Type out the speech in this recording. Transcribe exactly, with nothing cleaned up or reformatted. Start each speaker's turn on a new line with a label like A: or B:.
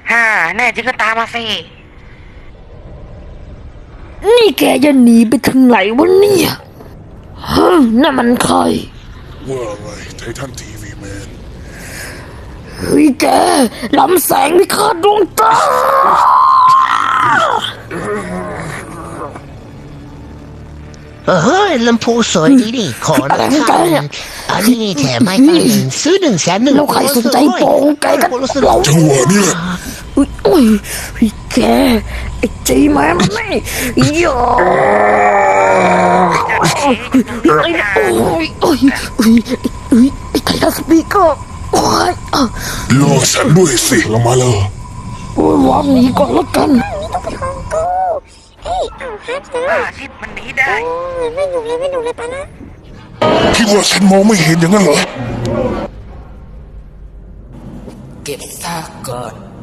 A: ฮ่าแน่จริงก็ตามมาสิ
B: นี่แกจะหนีไปถึงไหนวะเนี่ยฮะนั่นมันใคร
C: ว่าไงไททันทีวีแมน
B: เฮ้ยแกลำแสงพิฆาตดวงตา
D: เฮ้ยลำโพงสวยดีดิขอราคาอันนี้แถมให้กันหนึ่งซื้อหนึ่งแสนหนึ่ง
B: แล้วใครสนใจโป่งแกกันเรา
C: จังหวะนี้แหละ
B: อุ้ยอุ้ยแกไอ้จีแมนนี่ย่าโอ้ยโอ้ยโอ้ยโอ้ยไอ้ไททันสปีกเกอร์โอ้ย
C: รอฉันด้วยสิลงมาเลย
B: โอ้ยวางหนีก่อนแล้วกัน
A: อาทิตย์มันหนีได้
E: ไม่หนุกเลยไม่หนุกเลยปะนะ
C: คิดว่าฉันมองไม่เห็นอย่างนั้นเหรอ
B: เก็บซากก่อน